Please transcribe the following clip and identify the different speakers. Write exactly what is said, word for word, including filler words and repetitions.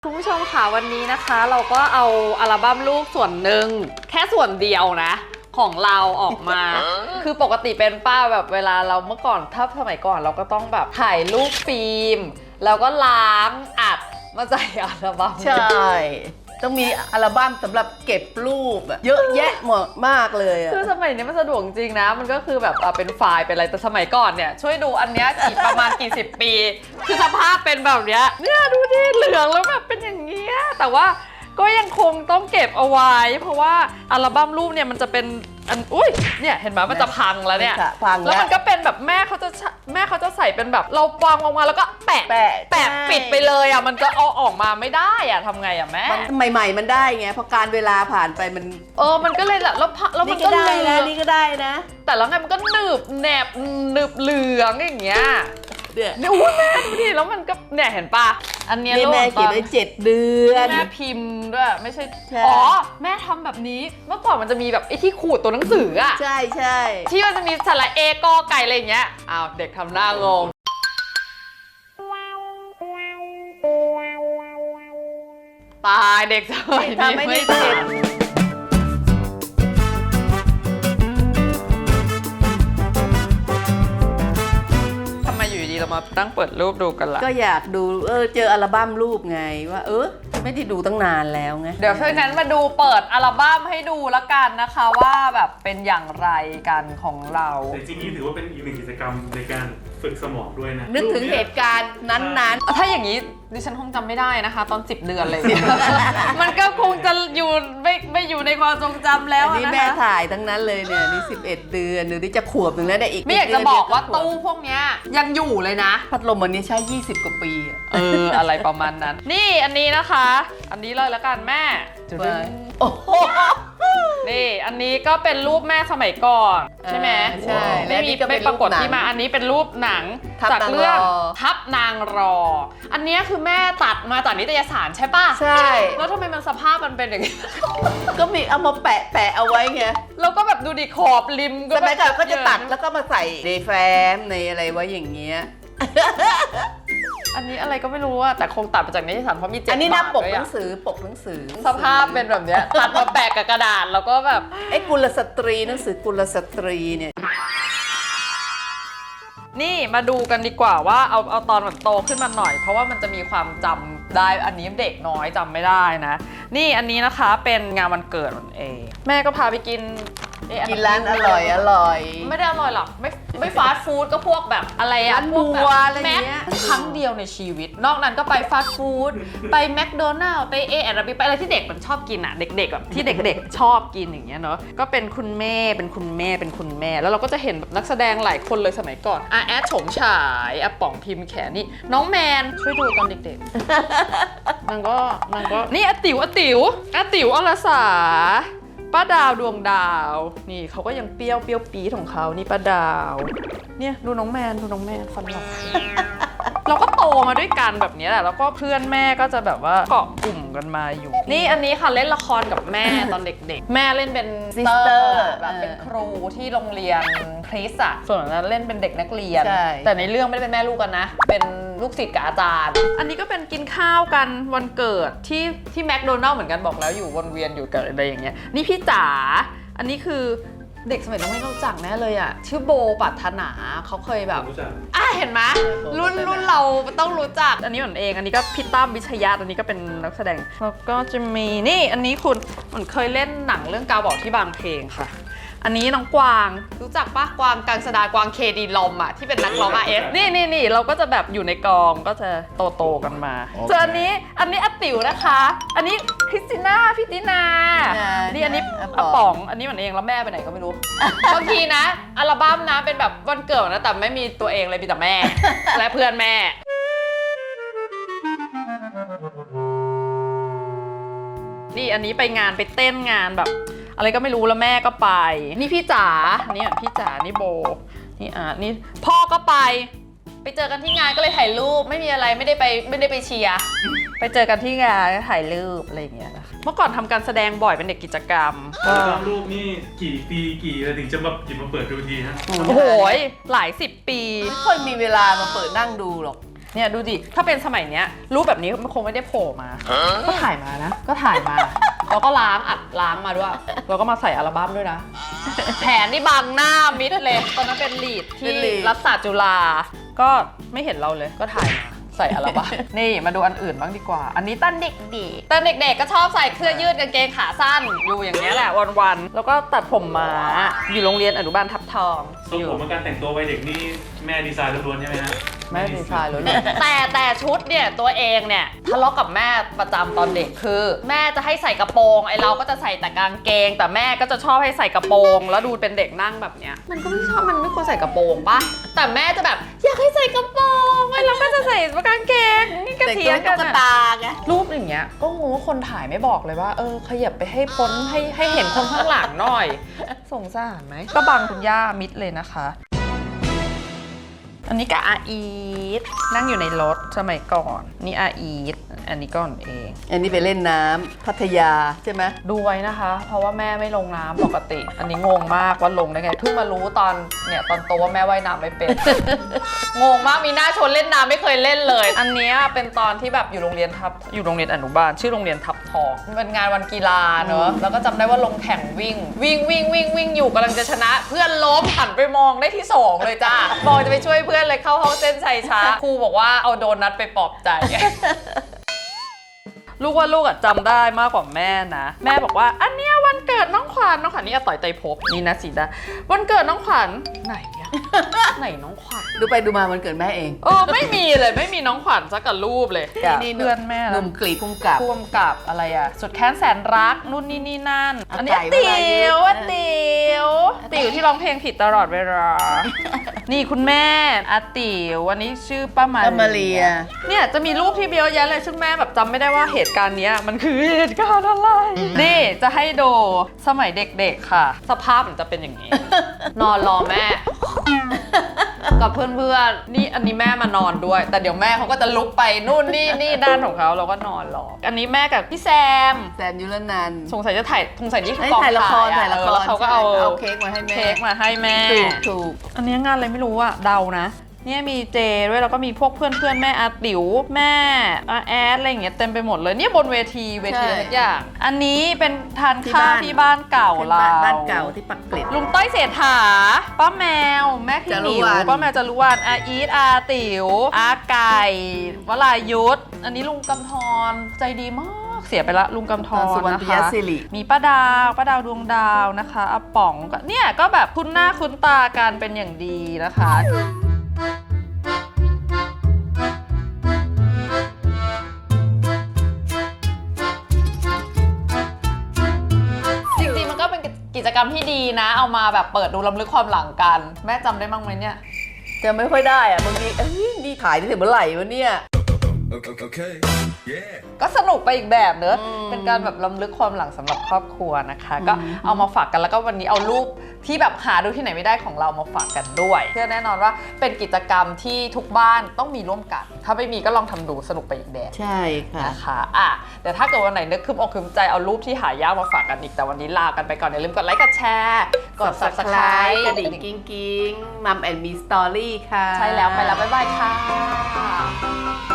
Speaker 1: คุณผู้ชมค่ะวันนี้นะคะเราก็เอาอัลบั้มลูกส่วนหนึ่งแค่ส่วนเดียวนะของเราออกมา คือปกติเป็นป้าแบบเวลาเราเมื่อก่อนถ้าสมัยก่อนเราก็ต้องแบบถ่ายรูปฟิล์มแล้วก็ล้างอัดมาใส่อัลบั้ม
Speaker 2: ใช่ ต้องมีอัลบั้มสำหรับเก็บรูปอะเยอะแยะหมดมากเลยอะ
Speaker 1: คือสมัยนี้มันสะดวกจริงนะมันก็คือแบบอ่ะเป็นไฟล์เป็นอะไรแต่สมัยก่อนเนี่ยช่วยดูอันเนี้ยกี่ประมาณกี่สิบปี คือสภาพเป็นแบบเนี้ยเนี่ยดูดิเหลืองแล้วแบบเป็นอย่างเงี้ยแต่ว่าก็ยังคงต้องเก็บเอาไว้ เพราะว่าอัลบั้มรูปเนี่ยมันจะเป็นอันอุ้ยเนี่ยเห็นไหมมันจะพังแล้วเนี่ย
Speaker 2: พัง
Speaker 1: แล้วมันก็เป็นแบบแม่เขาจะแม่เขาจะใส่เป็นแบบเราวางออกมาแล้วก็แปะ
Speaker 2: แปะ
Speaker 1: แปะปิดไปเลยอ่ะมันก็เอาออกมาไม่ได้อ่ะทำไงอ่ะแม่
Speaker 2: มันใหม่ๆมันได้ไงพอการเวลาผ่านไปมัน
Speaker 1: เออมันก็เลยแบบแล้วพะแล้วมัน
Speaker 2: นี่ก็
Speaker 1: ก็
Speaker 2: ได้
Speaker 1: เหลื
Speaker 2: นะ
Speaker 1: อง
Speaker 2: นี่ก็ได้นะ
Speaker 1: แต่แล้วไงมันก็หนึบแหนบหนึบเหลืองอย่างเงี้ย
Speaker 2: เนี่ย
Speaker 1: เนี่ยอุ้ยแม่ดูดิแล้วมันก็เนี่ยเห็นปะอันเนี้ย
Speaker 2: นี่
Speaker 1: รูป
Speaker 2: แม่
Speaker 1: ต
Speaker 2: เขีย
Speaker 1: อน น
Speaker 2: ไว้เจ็ดเดือน
Speaker 1: แม่พิมพ์ด้วยไม่ใช่
Speaker 2: ใช่
Speaker 1: อ๋อแม่ทำแบบนี้เมื่อก่อนมันจะมีแบบไอ้ที่ขูดตัวหนังสืออะ
Speaker 2: ใช่ใช่
Speaker 1: ที่มันจะมีสระเอกอไก่อะไรอย่างเงี้ยอ้าวเด็กทำหน้างงตายเด็กสมัยนี้
Speaker 2: ทำไม่ได้
Speaker 1: ทั
Speaker 2: เจ็ด
Speaker 1: นทำไมอยู่ดีเรามาตั้งเปิดรูปดูกันล่ะ
Speaker 2: ก็อยากดูเออเจออัลบั้มรูปไงว่าเออไม่ได้ดูตั้งนานแล้วไง
Speaker 1: เดี๋ยวเพราะงั้นมาดูเปิดอัลบั้มให้ดูละกันนะคะว่าแบบเป็นอย่างไรกันของเรา
Speaker 3: แต่จริงๆนี่ถือว่าเป็นอีกหนึ่งกิจกรรมในการฝึกสมองด้วยนะ
Speaker 2: นึกถึงเหตุการณ์นั้น
Speaker 1: ถ้าอย่างนี้ดิฉันคงจำไม่ได้นะคะ ตอนสิบเดือนเลยเนี่ย มันก็คงจะอยู่ไม่ไม่อยู่ในความทรงจำ
Speaker 2: ๆ
Speaker 1: แล้ว
Speaker 2: อัน
Speaker 1: อะ
Speaker 2: นี้
Speaker 1: นะ
Speaker 2: แม่
Speaker 1: คะ
Speaker 2: ถ่ายทั้งนั้นเลยเนี่ยนี่สิบเอ็ดเดือนหรือนี่จะขวบหนึ่งแล้วเนี่ยอีก
Speaker 1: ไม่อยากจะบอกว่าตู้พวกเนี้ยยังอยู่เลยนะ
Speaker 2: พัดลมอันนี้ใช้ยี่สิบกว่าปีอะ
Speaker 1: เออ อะไรประมาณนั้น นี่อันนี้นะคะ อันนี้เลยละกันแม่จุด
Speaker 2: ไปโอ้โห
Speaker 1: นี่อันนี้ก็เป็นรูปแม่สมัยก่อนใช่ไหม
Speaker 2: ใช่
Speaker 1: ไม่มี
Speaker 2: และนี่ก็เป็
Speaker 1: ไม่
Speaker 2: น
Speaker 1: ปรากฏ
Speaker 2: รูปหนัง
Speaker 1: ที่มาอันนี้เป็นรูปหนัง
Speaker 2: ทับ
Speaker 1: จาก
Speaker 2: นาง
Speaker 1: เรื่อง
Speaker 2: รอ
Speaker 1: ทับนางรอ อันนี้คือแม่ตัดมาจากนิตยสารใช่ป่ะ
Speaker 2: ใช่
Speaker 1: แล้วทำไมมันสภาพมันเป็นอย่างนี้
Speaker 2: ก็มีเอามาแปะแปะเอาไว้ไง
Speaker 1: แล้วก็แบบดูดิขอบริม
Speaker 2: สมัยก่อนก็จะตัด
Speaker 1: แล้
Speaker 2: แล้ว วก็มาใส่ในแฟ้มในอะไรไว้อย่างเงี้ย
Speaker 1: อันนี้อะไรก็ไม่รู้อะแต่คงตัดมาจากนิตยสารเพราะมีเจ็ด
Speaker 2: อันนี้นะ
Speaker 1: บาท
Speaker 2: ปก
Speaker 1: ด้วย
Speaker 2: หนั
Speaker 1: อะ
Speaker 2: งสือปกหนังสือ
Speaker 1: สภาพเป็นแบบเนี้ยตัดมาแปะกับกระดาษแล้วก็แบบ
Speaker 2: ไอ้กุลสตรีหนังสือกุลสตรีเนี่ย
Speaker 1: นี่มาดูกันดีกว่าว่าเอาเอาตอนมันโตขึ้นมาหน่อย เพราะว่ามันจะมีความจำได้อันนี้เด็กน้อยจำไม่ได้นะ นี่อันนี้นะคะเป็นงานวันเกิดมันเองแม่ก็พาไปกินเอ๊ะ
Speaker 2: กินร้านอร่อยอร่อย
Speaker 1: ไม่ได้อร่อยหรอกไม่ไม่ฟาสต์ฟู้ดก็พวกแบบอะไรอะ
Speaker 2: ร้าน
Speaker 1: พวกแบบ
Speaker 2: บัวอะไรเงี้ย
Speaker 1: แม็กครั้งเดียวในชีวิต นอกนั้นก็ไปฟาสต์ฟู้ดไปแมคโดนัลล์ไปเอแอนด์บีไปอะไรที่เด็กมันชอบกินอะเด็กๆแบบที่เด็กๆชอบกินอย่างเงี้ยเนาะก็เป็นคุณแม่เป็นคุณแม่เป็นคุณแม่ แล้วเราก็จะเห็นแบบนักแสดงหลายคนเลยสมัยก่อนอาแอดโฉมฉายอาป๋องพิมพ์แขนี่น้องแมนช่วยดูตอนเด็กๆ นางก็นางก็นี่อาติ๋วอาติ๋วอาติ๋วอรสาป้าดาวดวงดาว นี่เขาก็ยังเปรี้ยวเปรี้ยวปี๊ดของเขานี่ป้าดาว เนี่ยดูน้องแมนดูน้องแมนฟันหลอก เราก็โตมาด้วยกันแบบนี้แหละแล้วก็เพื่อนแม่ก็จะแบบว่าเกาะกลุ่มกันมาอยู่ นี่อันนี้ค่ะเล่นละครกับแม่ ตอนเด็กๆ แม่เล่นเป็นซิสเตอ
Speaker 2: Sister
Speaker 1: ร์แบบเป็นครูที่โรงเรียนคริสอะส่วนนั้นเล่นเป็นเด็กนักเรียน
Speaker 2: ใช่
Speaker 1: แต่ในเรื่องไม่ได้เป็นแม่ลูกกันนะ เป็นลูกศิษย์กับอาจารย์ อันนี้ก็เป็นกินข้าวกันวันเกิดที่ที่แมคโดนัลล์เหมือนกันบอกแล้วอยู่วนเวียนอยู่กับอะไรอย่างเงี้ยนี่พี่จ๋าอันนี้คือเด็กสมัยนั้นไม่รู้จักแน่เลยอะชื่อโบปัทนาเขาเคยแบบ
Speaker 3: รู้จัก
Speaker 1: อ่ะเห็นไหมรุ่นรุ่นเราต้องรู้จักอันนี้เหมือนเองอันนี้ก็พี่ตั้มวิชยาอันนี้ก็เป็นนักแสดงแล้วก็จะมีนี่อันนี้คุณเหมือนเคยเล่นหนังเรื่องกาวบอกที่บางเพลงค่ะ อันนี้น้องกวางรู้จักปะกวางกังสดากวางเคดีลมอ่ะที่เป็นนักร้องอาเอสนี่นี่นี่เราก็จะแบบอยู่ในกองก็จะโตโตๆกันมาส่วนอันนี้อันนี้อาติ๋วนะคะ อันนี้คริสติน่าพี่ตินานี่อันนี้อาป๋องอันนี้เหมือนเองแล้วแม่ไปไหนก็ไม่รู้ บางทีนะอัลบั้มนะเป็นแบบวันเกิดนะแต่ไม่มีตัวเองเลยมีแต่แม่ และเพื่อนแม่ นี่อันนี้ไปงานไปเต้นงานแบบอะไรก็ไม่รู้แล้วแม่ก็ไป นี่พี่จ๋านี่อ่ะพี่จ๋านี่โบนี่อ่ะนี่พ่อก็ไป ไปเจอกันที่งานก็เลยถ่ายรูปไม่มีอะไรไม่ได้ไปไม่ได้ไปเชียร์ไปเจอกันที่งานถ่ายรูปอะไรอย่างเงี้ยนะคะเมื่อก่อนทำการแสดงบ่อยเป็นเด็กกิจกรรม
Speaker 3: อัลบั้มรูปนี่กี่ปีกี่อะไรถึงจะมาหยิบมาเปิดดูทีฮะ
Speaker 1: โอ้โหหลายสิบปี
Speaker 2: ไม่ค่อยมีเวลามาเปิดนั่งดูหรอก
Speaker 1: เนี่ยดูดิถ้าเป็นสมัยเนี้ยรูปแบบนี้มันคงไม่ได้โผล่มา ก็ถ่ายมานะ ก็ถ่ายมา แล้วก็ล้างอัดล้างมาด้วย แล้วก็มาใส่อัลบั้มด้วยนะ แผนนี่บังหน้ามิดเลยตอนนั้นเป็นลีดที่รัฐศาสตร์จุฬาก็ไม่เห็นเราเลยก็ถ่ายมาใส่อัลบั้ม นี่มาดูอันอื่นบ้างดีกว่า อันนี้ตั้นเด็กดีตอนเด็กๆก็ชอบใส่เสื้อยืดกางเกงขาสั้นอยู่อย่างนี้ยแหละวันๆแล้วก็ตัดผมม้าอยู่โรงเรียนอนุบาลทับทอง
Speaker 3: ทรงผมและการแต่งตัววัยเด็กนี่แม่ดีไซน์ล้วนๆใช่ไหมฮะ
Speaker 1: แม่ดีไซน์เลยแต่แต่ชุดเนี่ยตัวเองเนี่ยทะเลาะกับแม่ประจำตอนเด็กคือ แม่จะให้ใส่กระโปรงไอเราก็จะใส่แต่กางเกง แต่แม่ก็จะชอบให้ใส่กระโปรงแล้วดูเป็นเด็กนั่งแบบเนี้ยมันก็ไม่ชอบมันไม่ควรใส่กระโปรงปะแต่แม่จะแบบอยากให้ใส่กระโปรงไอเราก็จะใส่กางเกงนี่ก็
Speaker 2: แต่ง
Speaker 1: เถี
Speaker 2: ตั
Speaker 1: ยว งกั
Speaker 2: ตุ๊
Speaker 1: น
Speaker 2: ก
Speaker 1: อะ
Speaker 2: ตาไง
Speaker 1: รูปอย่างเงี้ยก็งงว่าคนถ่ายไม่บอกเลยว่าเออขยับไปให้พ้นให้ให้เห็นคนข้างหลังหน่อยสงสารไหมก็บังคุณย่ามิดเลยนะคะอันนี้กับอาอีทนั่งอยู่ในรถสมัยก่อนนี่อาอีทอันนี้ก่อนเอง
Speaker 2: อันนี้ไปเล่นน้ำพัทยาใช่ไหม
Speaker 1: ดูไว้นะคะ เพราะว่าแม่ไม่ลงน้ำปกติ อันนี้งงมากว่าลงได้ไงเพิ่งมารู้ตอนเนี่ยตอนโตว่าแม่ว่ายน้ำไม่เป็น งงมากมีหน้าชวนเล่นน้ำไม่เคยเล่นเลย อันเนี้ยเป็นตอนที่แบบอยู่โรงเรียนทับอยู่โรงเรียนอนุบาลชื่อโรงเรียนทับทองเป็นงานวันกีฬาเนอะแล้วก็จำได้ว่าลงแข่งวิ่ง วิ่งวิ่งวิ่งวิ่งอยู่กำลังจะชนะ เพื่อนล้มหันไปมองได้ที่สองเลยจ้าบอกจะไปช่วยเพื่อนเลยเข้าห้องเส้นชัยช้าครูบอกว่าเอาโดนัทไปปลอบใจ ลูกว่าลูกอะจำได้มากกว่าแม่นะแม่บอกว่าอันเนี้ยวันเกิดน้องขวัญน้องขวัญนี่อาต่อยไตรภพนี่นะสีดาวันเกิดน้องขวัญไหนอะ ไหนน้องขวัญ
Speaker 2: ดูไปดูมามันเกิดแม่เอง
Speaker 1: เออไม่มีเลยไม่มีน้องขวัญสักกับรูปเลย
Speaker 2: นี่
Speaker 1: เพื่อนแม่
Speaker 2: หนุ่มกรีดพุ่มกับ
Speaker 1: พ่วงกับอะไรอะสุดแค้นแสนรักนู่นนี่นี่นั่น
Speaker 2: อา
Speaker 1: อันนี้
Speaker 2: ไก่
Speaker 1: ติ๋
Speaker 2: เวลายื
Speaker 1: วน อาติ๋ว
Speaker 2: อาติ๋
Speaker 1: ติ๋
Speaker 2: ว
Speaker 1: วที่ร้องเพลงผิดตลอดเวลา นี่คุณแม่อาติ๋ววันนี้ชื่อป้ามา
Speaker 2: ป้ามาเรีย
Speaker 1: เนี่ยจะมีรูปที่เยอะแยะเลยซึ่งแม่แบบจำไม่ได้ว่าเหตุการณ์เนี้ยมันคือเหตุการณ์อะไร นี่จะให้ดูสมัยเด็กๆค่ะ สภาพมันจะเป็นอย่างนี้ นอนรอแม่ กับเพื่อนๆนี่อันนี้แม่มานอนด้วย แต่เดี๋ยวแม่เขาก็จะลุกไปนู่นนี่นี่ด้านของเขาเราก็นอนรอ อันนี้แม่กับพี่แซม
Speaker 2: แซมยุรนันท์
Speaker 1: สงสัยจะถ่ายสงสัยนี่คือ
Speaker 2: ให้
Speaker 1: กอง
Speaker 2: ถ่ายละคร
Speaker 1: อะ
Speaker 2: ถ่ายละคร
Speaker 1: เออแล้วเขาก็เอา
Speaker 2: ใช่เอาเค้กมาให้แม่
Speaker 1: เค้กมาให้แม่
Speaker 2: ถูกถูก
Speaker 1: อันนี้งานอะไรไม่รู้อะเดานะเนี่ยมีเจด้วยแล้วก็มีพวกเพื่อนเพื่อนๆแม่อาติ๋วแม่อาแอดอะไรอย่างเงี้ยเต็มไปหมดเลยเนี่ยบนเวทีเวทีอะไรทุกอย่าง อันนี้เป็นทานข้าวที่บ้านเก่าเรา
Speaker 2: บ้านเก่าที่ปักเกร็ด
Speaker 1: ลุงต้อยเศรษฐาป้าแมว แม่พี่หมิว
Speaker 2: จารุวรรณ
Speaker 1: ป้าแมวจารุวรรณอาอีทอาติ๋วอาไก่วลายุทธอันนี้ลุงกำธรใจดีมากเสียไปละลุงกำธร
Speaker 2: สุวรรณ
Speaker 1: นะ
Speaker 2: ปิย
Speaker 1: คะ
Speaker 2: ศิริ
Speaker 1: มีป้าดาวป้าดาวดวงดาวนะคะอาป๋องก็เนี่ยก็แบบคุ้นหน้าคุ้นตากันเป็นอย่างดีนะคะจริงๆมันก็เป็นกิจกรรมที่ดีนะ เอามาแบบเปิดดูล้ำลึกความหลังกัน แม่จำได้บ้างไหมเนี่ย
Speaker 2: จะไม่ค่อยได้อะบางทีเอ้ยนี่ถ่ายได้ถึงเมื่อไหร่วะเนี่ย
Speaker 4: Okay. Yeah.
Speaker 1: ก็สนุกไปอีกแบบเนอะ
Speaker 2: อืม
Speaker 1: เป็นการแบบล้ำลึกความหลังสำหรับครอบครัวนะคะ ก็เอามาฝากกันแล้วก็วันนี้เอารูปที่แบบหาดูที่ไหนไม่ได้ของเรามาฝากกันด้วยเชื่อแน่นอนว่าเป็นกิจกรรมที่ทุกบ้านต้องมีร่วมกัน ถ้าไม่มีก็ลองทำดูสนุกไปอีกแบบ
Speaker 2: ใช่ค่ะ
Speaker 1: นะคะอ่ะเดี๋ยวถ้าเกิดวันไหนนึกคืมอกคืมใจเอารูปที่หายากมาฝากกันอีกแต่วันนี้ลากันไปก่อนอย่าลืมกดไลค์กดแชร์กด
Speaker 2: Subscribe
Speaker 1: Subscribe
Speaker 2: กระดิ่งกิ้งกิ้งมัมแอนด์มีสตอรี่ค่ะ
Speaker 1: ใช่แล้วไปแล้วบ๊ายบายค่ะ